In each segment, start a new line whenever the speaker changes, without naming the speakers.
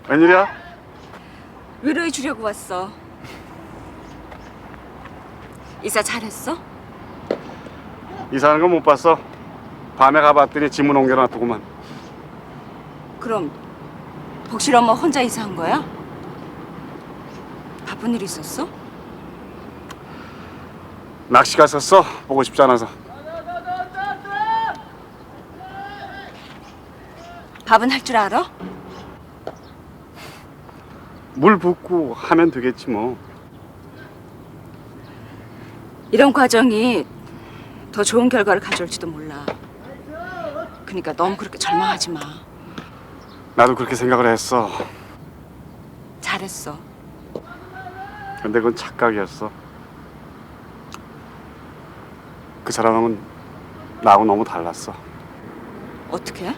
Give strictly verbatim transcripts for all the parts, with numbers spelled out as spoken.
웬일이야?
위로해 주려고 왔어. 이사 잘했어?
이사하는 거 못 봤어. 밤에 가봤더니 지문 옮겨놨더구만.
그럼 복실 엄마 혼자 이사한 거야? 바쁜 일 있었어?
낚시 갔었어. 보고 싶지 않아서.
밥은 할 줄 알아?
물 붓고 하면 되겠지 뭐.
이런 과정이 더 좋은 결과를 가져올지도 몰라. 그러니까 너무 그렇게 절망하지 마.
나도 그렇게 생각을 했어.
잘했어.
근데 그건 착각이었어. 그 사람은 나하고 너무 달랐어.
어떻게?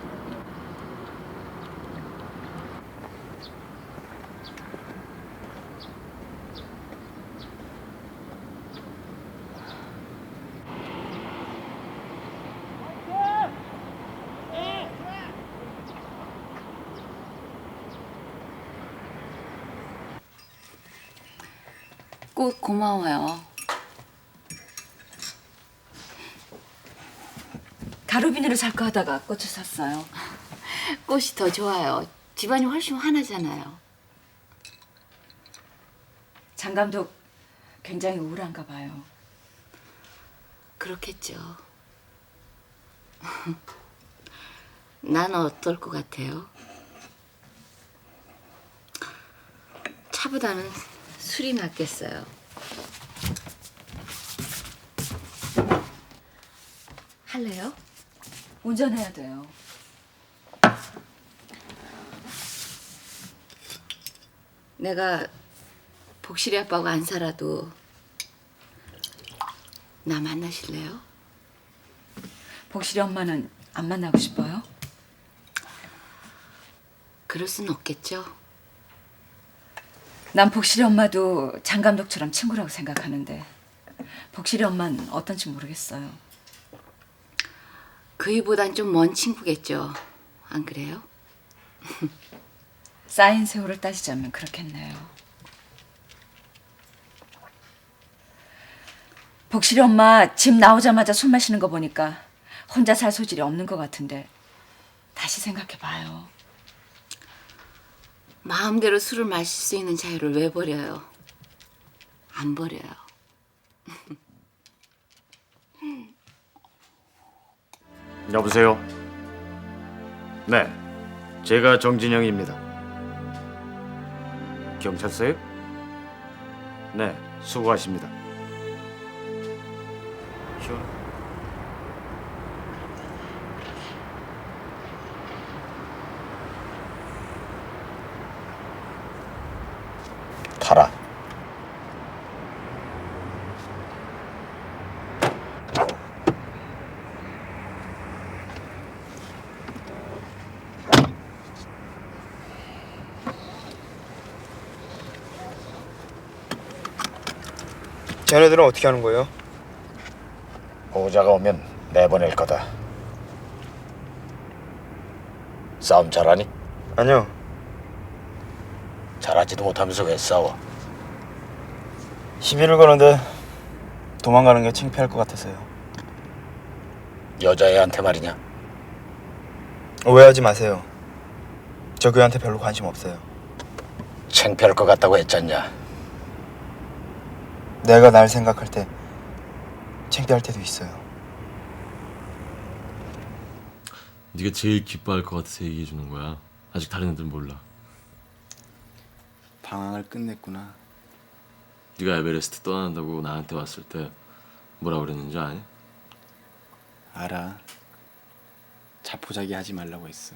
꽃 고마워요.
가루 비닐을 살까 하다가 꽃을 샀어요.
꽃이 더 좋아요. 집안이 훨씬 환하잖아요.
장 감독 굉장히 우울한가 봐요.
그렇겠죠. 난 어떨 것 같아요? 차보다는 술이 낫겠어요. 할래요?
운전해야 돼요.
내가 복실이 아빠하고 안 살아도 나 만나실래요?
복실이 엄마는 안 만나고 싶어요?
그럴 순 없겠죠.
난 복실이 엄마도 장 감독처럼 친구라고 생각하는데 복실이 엄마는 어떤지 모르겠어요.
그이보단 좀 먼 친구겠죠. 안 그래요?
쌓인 세월을 따지자면 그렇겠네요. 복실이 엄마 집 나오자마자 술 마시는 거 보니까 혼자 살 소질이 없는 것 같은데 다시 생각해봐요.
마음대로 술을 마실 수 있는 자유를 왜 버려요? 안 버려요.
여보세요? 네, 제가 정진영입니다. 경찰서요? 네, 수고하십니다. 시원.
타라.
쟤네들은 어떻게 하는 거예요?
보호자가 오면 내보낼 거다. 싸움 잘하니?
아니요.
잘하지도 못하면서 왜 싸워?
시비를 거는데 도망가는 게 창피할 것 같아서요.
여자애한테 말이냐?
오해하지 마세요. 저 그애한테 별로 관심 없어요.
창피할 것 같다고 했잖냐?
내가 날 생각할 때 창피할 때도 있어요.
네가 제일 기뻐할 것 같아서 얘기해 주는 거야. 아직 다른 애들 몰라.
방황을 끝냈구나.
네가 에베레스트 떠난다고 나한테 왔을 때 뭐라 그랬는지 아니?
알아. 자포자기 하지 말라고 했어.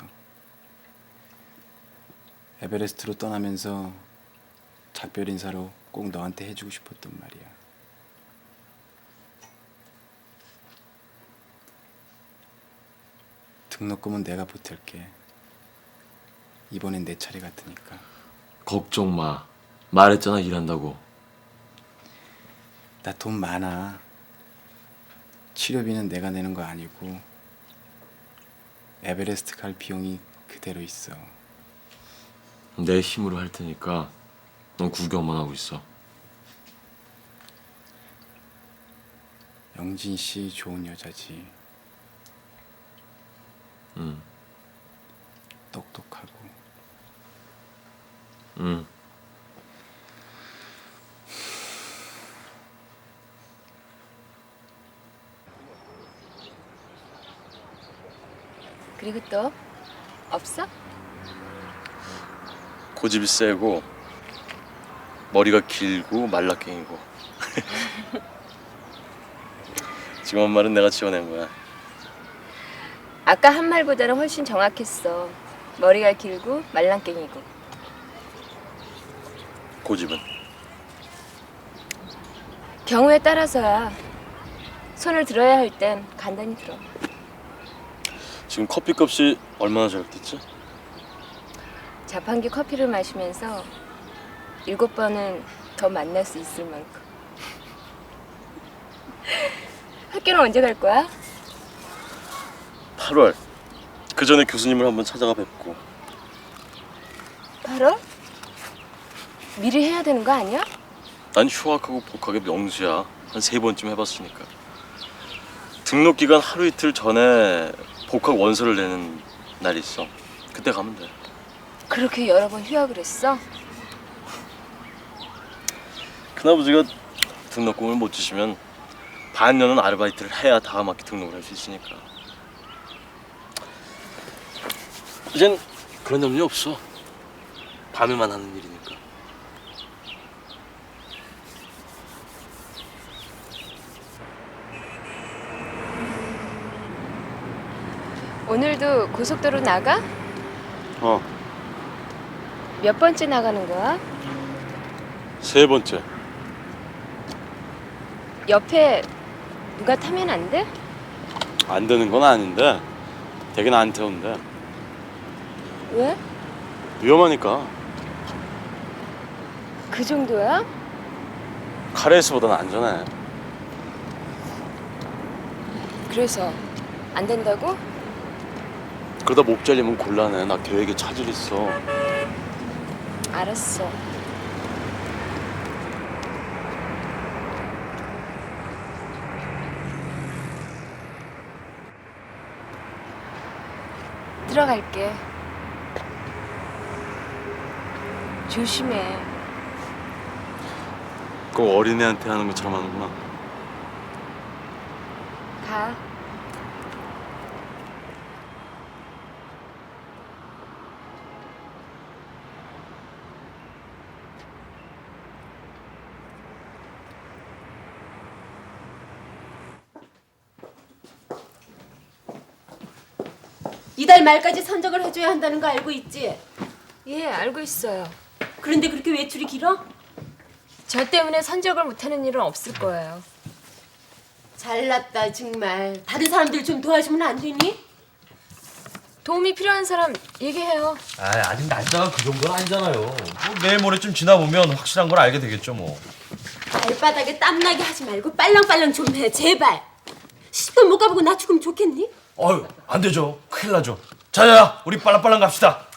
에베레스트로 떠나면서 작별 인사로 꼭 너한테 해주고 싶었단 말이야. 등록금은 내가 보탤게. 이번엔 내 차례 같으니까.
걱정 마. 말했잖아 일한다고.
나 돈 많아. 치료비는 내가 내는 거 아니고 에베레스트 갈 비용이 그대로 있어.
내 힘으로 할 테니까 넌 구경만 하고 있어.
영진 씨 좋은 여자지.
응.
똑똑하고.
응.
그리고 또 없어?
고집이 세고 머리가 길고 말라깽이고. 지금 한 말은 내가 지어낸 거야.
아까 한 말보다는 훨씬 정확했어. 머리가 길고 말랑깽이고.
고집은?
경우에 따라서야. 손을 들어야 할 땐 간단히 들어.
지금 커피값이 얼마나 절약됐지?
자판기 커피를 마시면서 일곱 번은 더 만날 수 있을 만큼. 학교는 언제 갈 거야?
팔월. 그 전에 교수님을 한번 찾아가 뵙고.
팔월? 미리 해야 되는 거 아니야?
난 휴학하고 복학의 명수야. 한 세 번쯤 해봤으니까. 등록 기간 하루 이틀 전에 복학 원서를 내는 날이 있어. 그때 가면 돼.
그렇게 여러 번 휴학을 했어?
큰아버지가 등록금을 못 주시면 반년은 아르바이트를 해야 다음 학기 등록을 할 수 있으니까. 이젠 그런 염려 없어. 밤에만 하는 일이니까.
오늘도 고속도로 나가?
어,
몇 번째 나가는 거야?
세 번째.
옆에 누가 타면 안 돼?
안 되는 건 아닌데 되긴 안 태운대.
왜?
위험하니까.
그 정도야?
카레이스보다는 안전해.
그래서 안 된다고?
그러다 목 잘리면 곤란해. 나 계획에 차질 있어.
알았어. 들어갈게. 조심해.
꼭 어린애한테 하는 것처럼 하는구나.
가.
이달 말까지 선적을 해줘야 한다는 거 알고 있지?
예, 알고 있어요.
그런데 그렇게 외출이 길어?
저 때문에 선적을 못하는 일은 없을 거예요.
잘났다 정말. 다른 사람들 좀 도와주면 안 되니?
도움이 필요한 사람 얘기해요.
아, 아직 날짜가 그 정도는 아니잖아요. 뭐 내일 모레쯤 지나보면 확실한 걸 알게 되겠죠 뭐.
발바닥에 땀나게 하지 말고 빨랑빨랑 좀 해 제발. 시집도 못 가보고 나 죽으면 좋겠니?
어휴, 안 되죠. 큰일 나죠. 자자야, 우리 빨랑빨랑 갑시다.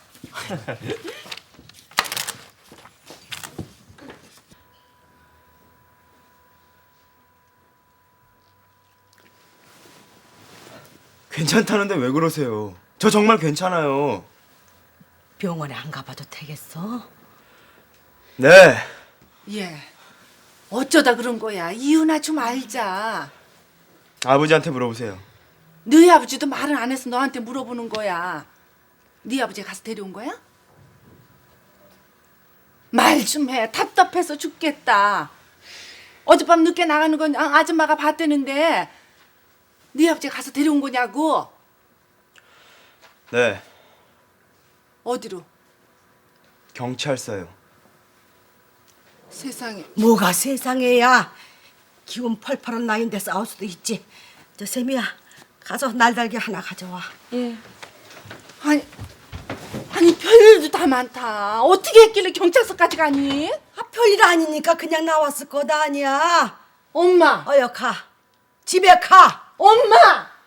괜찮다는데 왜 그러세요? 저 정말 괜찮아요.
병원에 안 가봐도 되겠어?
네.
예. 어쩌다 그런 거야. 이유나 좀 알자.
아버지한테 물어보세요.
너희 아버지도 말을 안 해서 너한테 물어보는 거야. 네 아버지 가서 데려온 거야? 말 좀 해. 답답해서 죽겠다. 어젯밤 늦게 나가는 건 아- 아줌마가 봤대는데 네 아버지 가서 데려온 거냐고.
네.
어디로?
경찰서요.
세상에.
뭐가 세상에야. 기운 펄펄한 나이인데 싸울 수도 있지. 저 세미야, 가서 날달기 하나 가져와.
예.
아니, 아니 별일도 다 많다. 어떻게 했길래 경찰서까지 가니?
아, 별일 아니니까 그냥 나왔을 거다 아니야.
엄마.
어여 가. 집에 가.
엄마.